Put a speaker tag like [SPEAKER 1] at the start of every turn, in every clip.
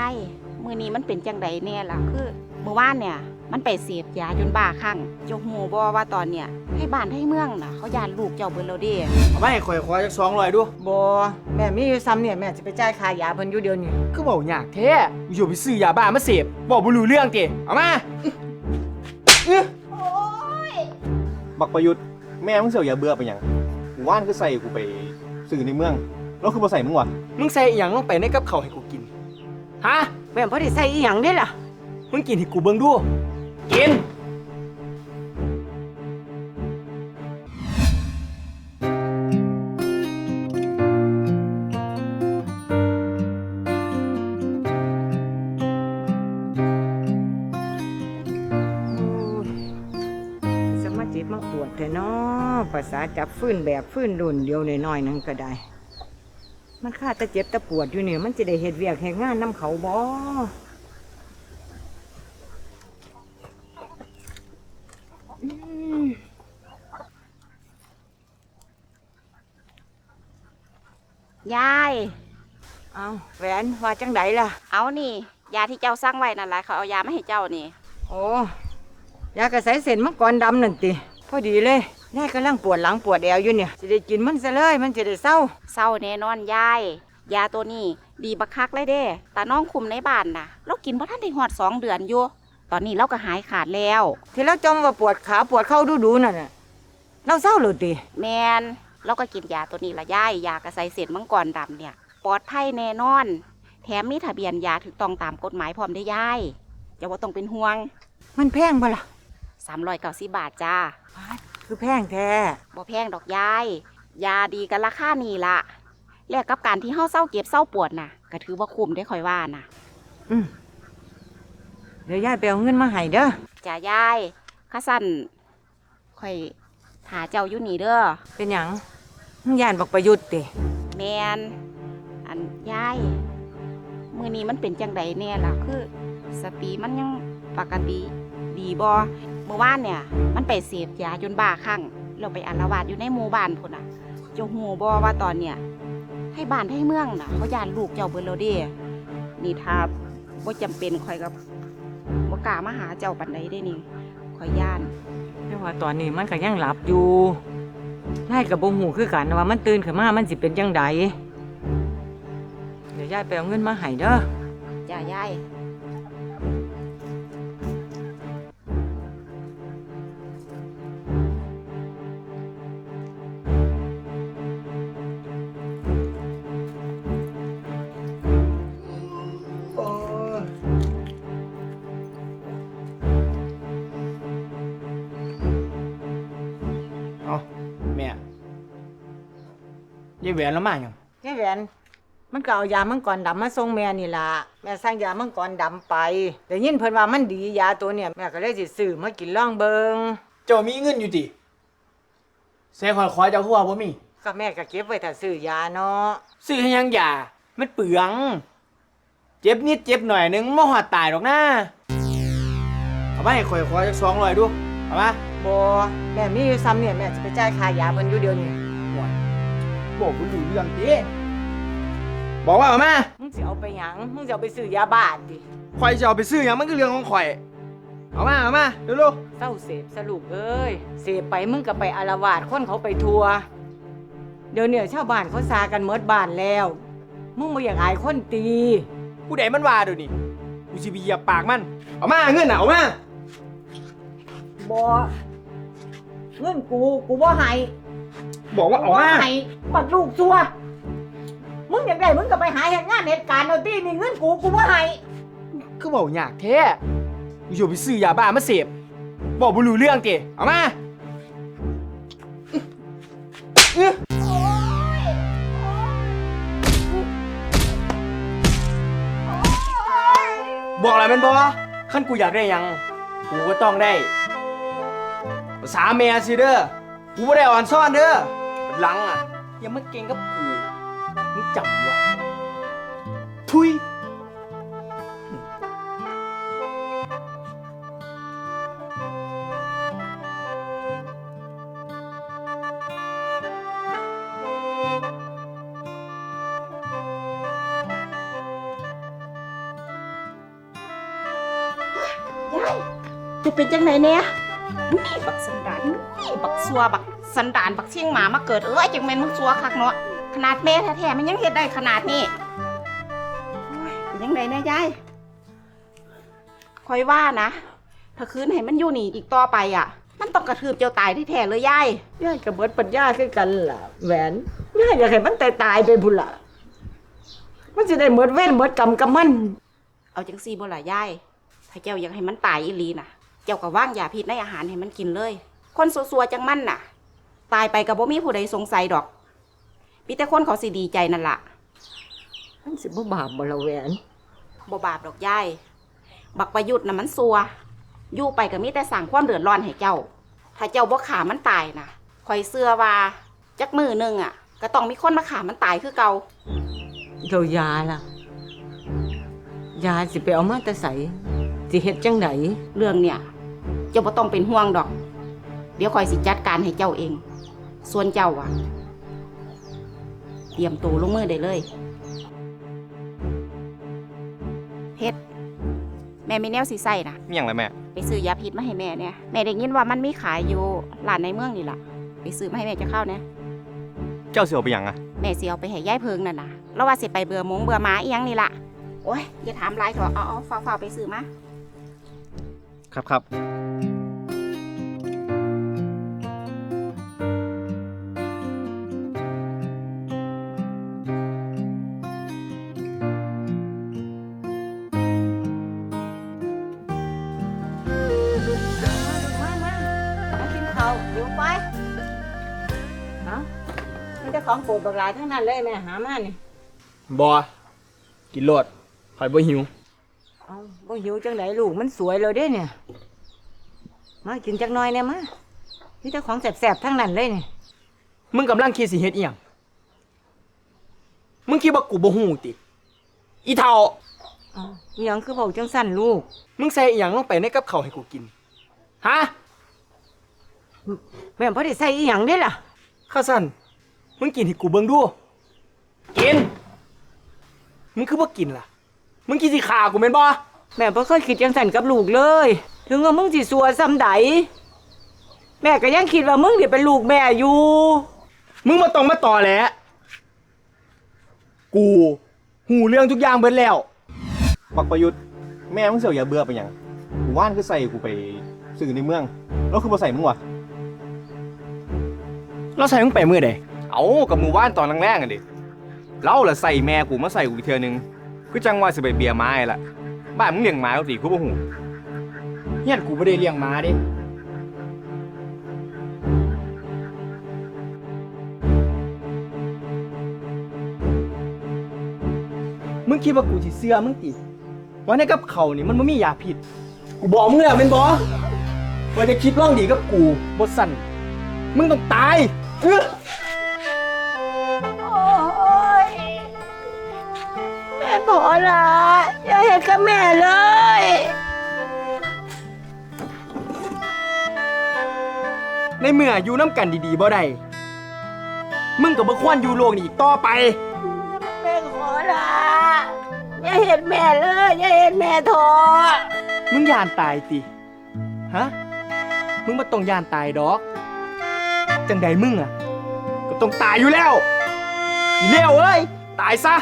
[SPEAKER 1] ายมือนี้มันเป็นจังไดแน่ล่ะคือเมื่อวานเนี่ยมันไปเสพยาจนบ้าคลั่งเจ้าหูบ่ว่าตอนเนี่ยให้บ้านให้เมืองน่ะเขาย่านลูกเจ้าเบิดแล้วเด้
[SPEAKER 2] เอามาให้ข่อยขอจัก200ดู
[SPEAKER 3] บ่แม่มีอยู่ซ้ำเนี่ยแม่สิไปจ่ายค่ายาเพิ่นอยู่เดี๋ยวนี้
[SPEAKER 2] คือเว้ายากแท้อยู่ไปซื้อยาบ้ามาเสพบ่รู้เรื่องติเอามา
[SPEAKER 4] บักประยุทธ์แม่มึงเสียอย่าเบื่อไปหยังกูว่านคือใส่กูไปสื่อในเมืองแล้วคือบ่ใส่มึงวะ
[SPEAKER 2] มึงใส่อีหยังลงไปในกับข้าวให้กูกินฮะ
[SPEAKER 3] แม่บ่ได้ใส่อีหยังเด้ล่ะ
[SPEAKER 2] มึงกินให้กูเบิ่งดูกิน
[SPEAKER 3] สมาจิตมาปวดแท้เนาะภาษาจับฟื้นแบบฟื้นรุ่นเดียวน้อยๆนั่นก็ได้มันค่าแต่เจ็บแต่ปวดอยู่เนี่ยมันจะได้เฮ็ดเวียกเฮ็ดงานนำเขาบ่
[SPEAKER 1] ยาย
[SPEAKER 3] เอาแหวนว่าจังไดล่ะ
[SPEAKER 1] เอานี่ยาที่เจ้าสั่งไว้นั่นแหละเขาเอายามาให้เจ้านี่
[SPEAKER 3] โอ้ยากระใสเส้นมังกรดำนั่นติพอดีเลยแม่กำลังปวดหลังปวดแอวอยู่เนี่ยจะได้กินมันซะเลยมันจะได้เศร้า
[SPEAKER 1] แน่นอนยายยาตัวนี้ดีบักคักเลยเด้ตาน้องคุมในบ้านน่ะเรากินบ่ทันได้ฮอด2 เดือนอยู่ตอนนี้เราก็หายขาดแล้ว
[SPEAKER 3] ที่เราจมว่าปวดขาปวดเข่าดูๆนั่นน่ะเราเศร้าหรือติ
[SPEAKER 1] แมนเราก็กินยาตัวนี้ละยายยากระใสเส้นมังกรดำเนี่ยปลอดภัยแน่นอนแถมมีทะเบียนยาถูกต้องตามกฎหมายพร้อมได้ยายอย่าว่าต้องเป็นห่วง
[SPEAKER 3] มันแพงบ่ล่ะ
[SPEAKER 1] 390 บาทจ้า
[SPEAKER 3] คือแพงแท้
[SPEAKER 1] บ่แพงดอกยายยาดีกันราคานี่ละแลกกับการที่เฮาเศร้าเก็บเศร้าปวดน่ะก็ถือว่าคุ้มได้ค่อยว่าน่ะ
[SPEAKER 3] เดี๋ยวยายไปเอาเงินมาให้เด้อ
[SPEAKER 1] จ้ายายข้าสั่นค่อยหาเจ้าอยู่นี่เด้อ
[SPEAKER 3] เป็นหยังมึงย่านบักประยุทธ์ติ
[SPEAKER 1] แมนอันยายมื้อนี้มันเป็นจังไดแน่ล่ะคือสติมันยังปกติดีบ่เมื่อวานเนี่ยมันไปเสพยาจนบ้าคลั่งแล้วไปอาละวาดอยู่ในหมู่บ้านพุ่นน่ะเจ้าฮู้บ่ว่าตอนเนี่ยให้บ้านให้เมืองน่ะเขาย่านลูกเจ้าเบิดแล้วเด้นี่ถ้าบ่จำเป็นข่อยก็บ่กล้ามาหาเจ้าปานใดเด้นี่ข่อยย่าน
[SPEAKER 3] แต่ว่าตอนนี้มันก็ยังหลับอยู่ยายก็บ่ฮู้คือกันว่ามันตื่นขึ้นมามันสิเป็นจังไดเดี๋ยวยายไปเอาเงินมาให้เด้อ
[SPEAKER 1] จ้ายาย
[SPEAKER 2] แม่ยายแหวนแล้วมาหยัง
[SPEAKER 3] ยายแหวนมันก็เอายามังกรดำมาส่งแม่นี่ล่ะแม่สั่งยามังกรดำไปแต่ยินเพิ่นว่ามันดียาตัวเนี่ยแม่ก็เลยสิซื้อมากินลองเบิง
[SPEAKER 2] เจ้ามีเงินอยู่ติแซ่ข่อยขอเจ้าคือว่าบ่มี
[SPEAKER 3] ก็แม่ก็เก็บไว้ถ้าซื้อยาเนาะ
[SPEAKER 2] ซื้อให้ยังยามันเปลืองเจ็บนิดเจ็บหน่อยนึงบ่ฮอดตายดอกนะเอามาให้ข่อยขอจัก200ดูเอามา
[SPEAKER 3] บ่แม่มีอยู่ซ้ำเนี่ยแม่สิไปจ่ายค่ายาเพิ่นอยู่เดี๋ยวนี้
[SPEAKER 2] บอกบ่รู้เรื่องติบอกว่าเอามา
[SPEAKER 3] มึงสิเอาไปหยังมึงสิเอาไปซื้อยาบ้าติ
[SPEAKER 2] ข่อยจะเอาไปซื้อหยังมันก็เรื่องของข่อยเอามาเร็ว
[SPEAKER 3] ๆเศร้าเสพสรุปเอ้ยเสพไปมึงก็ไปอาละวาดคนเขาไปทัวเดี๋ยวเนี่ยชาวบ้านเขาซากันหมดบ้านแล้วมึงบ่อยากอายคนตี
[SPEAKER 2] ผู้ใดมันว่าเดี๋ยวนี้กูสิไปเหยียบปากมันเอามาเงินน่ะเอามา
[SPEAKER 3] บ่เงินกูบ่ให้
[SPEAKER 2] บอกว่าเอามา
[SPEAKER 3] ให้บัดลูกซัวมึงอยากได้มึงก็ไปหาเหตุงานเหตุการณ์เอาตินี่เงินกูบ่ให้
[SPEAKER 2] คือเว้ายากแท้กูอยู่ไปซื้อยาบ้ามาเสพบอกบ่รู้เรื่องติเอามาบอกอะไรมันบ่คันกูอยากได้หยังกูก็ต้องได้ภาษาแม่สิเด้อกูบ่ได้อ่อนซ่อนเด้อหลังอ่ะอย่ามาเก่งกับกูมึงจำไว้ทุย
[SPEAKER 1] ยายจะเป็นจังไหนเนี่ยนี่บักสันดานนี่บักซัวบักสันดานบักเชียงหมามาเกิดจังแม่นมึงซัวคักเนาะขนาดแม่แท้ๆมันยังเฮ็ดได้ขนาดนี้โอ้ยเป็นจังไหนเนี่ยยายคอยว่านะถ้าคืนให้มันอยู่นี่อีกต่อไปอ่ะมันต้องกระทืบเจ้าตายที่แท้เลยยาย
[SPEAKER 3] ยายกับเบิดปัญญาคือกันล่ะแหวนยายอยากให้มันตายไปพุ่นล่ะมันจะได้หมดเว้นหมดกรรมกับมัน
[SPEAKER 1] เอาจังซี่บ่ล่ะยายถ้าเจ้าอยากให้มันตายอีหลีน่ะเจ้าก็ว่างยาพิษในอาหารให้มันกินเลยคนซัวๆจังมันน่ะตายไปก็บ่มีผู้ใดสงสัยดอกมีแต่คนเขาสิดีใจนั่นล่ะ
[SPEAKER 3] มันสิบ่บาปบ่ละแหวน
[SPEAKER 1] บ่บาปดอกยายบักประยุทธ์น่ะมันซัวอยู่ไปก็มีแต่สร้างความเดือดร้อนให้เจ้าถ้าเจ้าบ่ฆ่ามันตายน่ะข่อยเชื่อว่าจักมื้อนึงอ่ะก็ต้องมีคนมาฆ่ามันตายคือเก่า
[SPEAKER 3] เรายาล่ะยาสิไปเอามาแต่ไสสิเฮ็ดจังได
[SPEAKER 1] เรื่องเนี่ยเจ้าบ่ต้องเป็นห่วงดอกเดี๋ยวข่อยสิจัดการให้เจ้าเองส่วนเจ้าอ่ะเตรียมตัวลงมือได้เลยเพชรแม่มีแนวสิใส่นะ
[SPEAKER 4] มีหยังล่ะแม่
[SPEAKER 1] ไปซื้อยาพิษมาให้แม่เนี่ยแม่ได้ยินว่ามันมีขายอยู่ร้านในเมืองนี่ล่ะไปซื้อมาให้แม่จะเข้าเนี่ย
[SPEAKER 4] เจ้าสิเอาไปหยังอะ
[SPEAKER 1] แม่สิเอาไปให้ยายเพิงนั่นนะแล้วว่าสิไปเบื่อหมงเบื่อหมาอีหยังนี่ล่ะโอ้ยอย่าถามหลายเถอะเอาฝ้าไปซื้อมา
[SPEAKER 4] ครับ
[SPEAKER 3] มากินข้าวอยู่ไปเอ้ามันจะของโปรดบักหลายทั้งนั้นเลยแม่หามานี่
[SPEAKER 2] บอกินโลดข่อยบ่หิว
[SPEAKER 3] เอาบ่หิวจังไดลูกมันสวยเลยเด้เนี่ยมากินจักหน่อยเนี่ยมานี่แต่ของแสบๆทั้งนั้นเลยเนี่ย
[SPEAKER 2] มึงกำลังคิดสิเฮ็ดอีหยังมึงคิดว่ากูบ่ฮู้ติอีเฒ่า
[SPEAKER 3] เอาอหยังคือเว้าจังสั่นลูก
[SPEAKER 2] มึงใส่อีหยังลงไปในกับข้าวให้กูกินฮะ
[SPEAKER 3] แม่บ่ได้ใส่อีหยังเด้ล่ะ
[SPEAKER 2] ข้าสั่นมึงกินให้กูเบิ่งดูกินมึงคือบ่กินล่ะมึงกินสิฆ่ากูแม่นบ่
[SPEAKER 3] แม่บ่เคยคิดจังสั่นกับลูกเลย ถึงว่ามึงสิสัวซ้ำใดแม่ก็ยังคิดว่ามึงนี่เป็นลูกแม่อยู่
[SPEAKER 2] มึงมาต้องมาต่อแหละกูหูเรื่องทุกอย่างเบิดแล้ว
[SPEAKER 4] บักประยุทธ์แม่มึงเสียวอย่าเบื่อไปหยังกูว่านคือใส่กูไปสื่อในเมืองแล้วคือบ่ใส่มึงวะ
[SPEAKER 2] เราใส่มึงไปมื้อใด
[SPEAKER 4] เอากับมือว่านตอนแรกๆอ่ะดิเล่าละใส่แม่กูมาใส่กูอีกเทื่อนึงคือจังว่าสิไปเบียร์ไม้ละบ้านมึงเลี้ยงหมาเอาสิกูบ่ฮู้
[SPEAKER 2] เฮียนกูบ่ได้เลี้ยงหมาเด้มึงคิดว่ากูสิเชื่อมึงติว่าในกับเขาวนี่มันบ่มียาพิษกูบอกมึงแล้วแม่นบ่ว่าจะคิดร่องดีกับกูบ่สั่นมึงต้องตาย
[SPEAKER 3] โอ้ยแม่ขอละอย่าเห็นกับแม่เลย
[SPEAKER 2] ในเมื่ออยู่น้ำกันดีๆบ่ได้มึงก็บ่ควรอยู่โลกนี้อีกต่อไป
[SPEAKER 3] แม่ขอละอย่าเห็นแม่เลยอย่าเห็นแม่ทอ
[SPEAKER 2] มึงย่านตายติฮะมึงบ่ต้องย่านตายดอกจังใดมึงอ่ะก็ต้องตายอยู่แล้วอีเลวเอ้ยตายซะ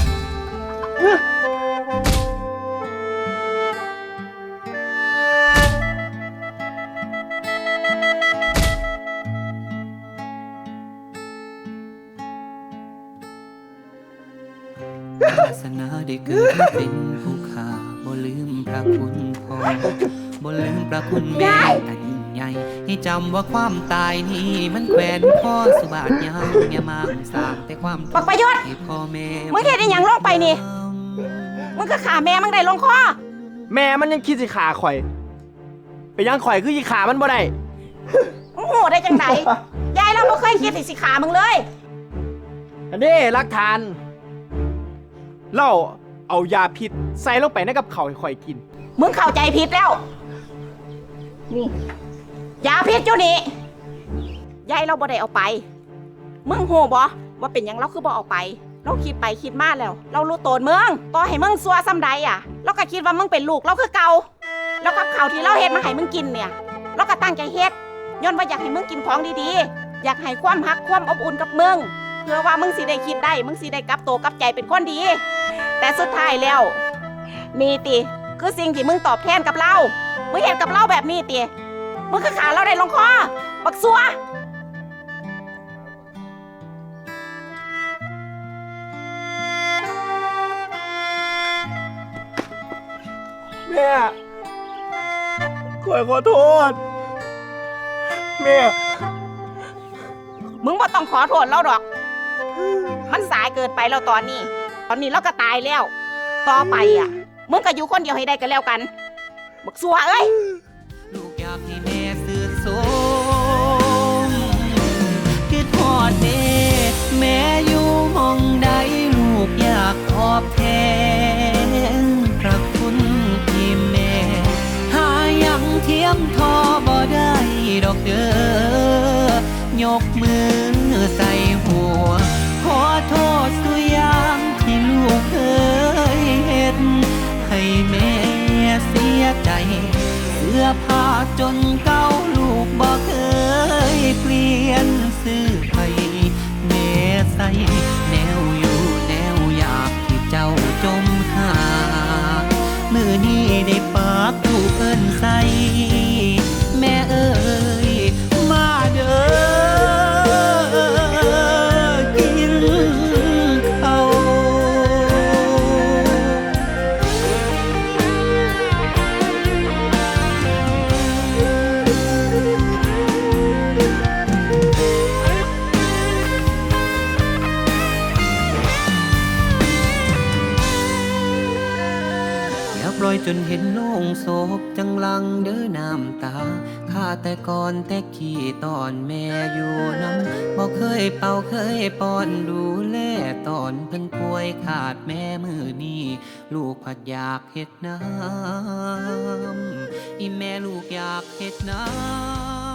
[SPEAKER 5] วาสนาได้เกิดมาเป็นผู้ข้าบ่ลืมพระคุณพ่อบ่ลืมพระคุณแม่อันยิ่งใหญ่ให้จำว่าความตายนี้มันแขวนข้อสุบาทยาวอย่ามามสร้างแต่ความทุก
[SPEAKER 1] บักประยุทธ์
[SPEAKER 5] ให้พ่อแม่
[SPEAKER 1] มึงเฮ็ดอีหยังลงไปนี่ มึงก็ขาแม่มึงได้ลงคอ
[SPEAKER 2] แม่มันยังคิดสิขาข่อยไปยังข่อยคือสิขามันบ่ได้
[SPEAKER 1] มึงโหได้จังได ยายเราบ่เคยคิดสิขามึงเลย
[SPEAKER 2] อันนี้หลักฐานเราเอายาพิษใส่ลงไปในกับข้าวให้ข่อยกิน
[SPEAKER 1] มึงเข้าใจผิดแล้ว นี่ยาพิษอยู่นี่ยายเราบ่ได้เอาไป มึงโหบ่ว่าเป็นหยังเราคือบ่เอาไป เราคิดไปคิดมาแล้ว เรารู้โตนมึงต่อให้มึงซัวซ้ำใดอ่ะ เราก็คิดว่ามึงเป็นลูกเราคือเก่าแล้วกับข้าวที่เราเฮ็ดมาให้มึงกินเนี่ยเราก็ตั้งใจเฮ็ดย้อนว่าอยากให้มึงกินของดีๆอยากให้ความรักความอบอุ่นกับมึงเพื่อว่ามึงสิได้คิดได้มึงสิได้กลับตัวกลับใจเป็นคนดี แต่สุดท้ายแล้วนี่ติคือสิ่งที่มึงตอบแทนกับเรามึงเห็นกับเราแบบนี้ติมึงคือขาเราได้ลงคอบักซัว
[SPEAKER 2] แม่ขอโทษ แม่
[SPEAKER 1] มึงบ่ต้องขอโทษเราดอก มันสายเกินไปแล้วตอนนี้เราก็ตายแล้ว ต่อไปอ่ะ มึงก็อยู่คนเดียวให้ได้กันแล้วกัน บักซัวเอ้ย
[SPEAKER 5] ลูกอยากให้แม่สื่อสมคิดทอดเด้แม่อยู่หมองใดลูกอยากตอบแทนพระคุณที่แม่หายังเทียมทอบ่ได้ดอกเด้อยกมือใส่หัวขอโทษสุอยางที่ลูกเคยเฮ็ดให้แม่เสียใจ เสื้อผ้าจนเก่าลูกบ่เคยเปลี่ยนซื้อให้แม่ใส่แนวอยู่แนวอยากที่เจ้าจมหามือนี้ได้ปากลูกเอิ้นใส่แม่เอ้ยมาเด้อกินข้าว อย่าปล่อยจนเห็นโลงโศกจังลังเด้อน้ำตาข้าแต่ก่อนแต่ขี้ตอนแม่อยู่น้ำบ่เคยเป่าเคยป้อนดูแลตอนเพิ่นป่วยขาดแม่มือนี้ลูกผัดอยากเฮ็ดน้ำอีแม่ลูกอยากเฮ็ดน้ำ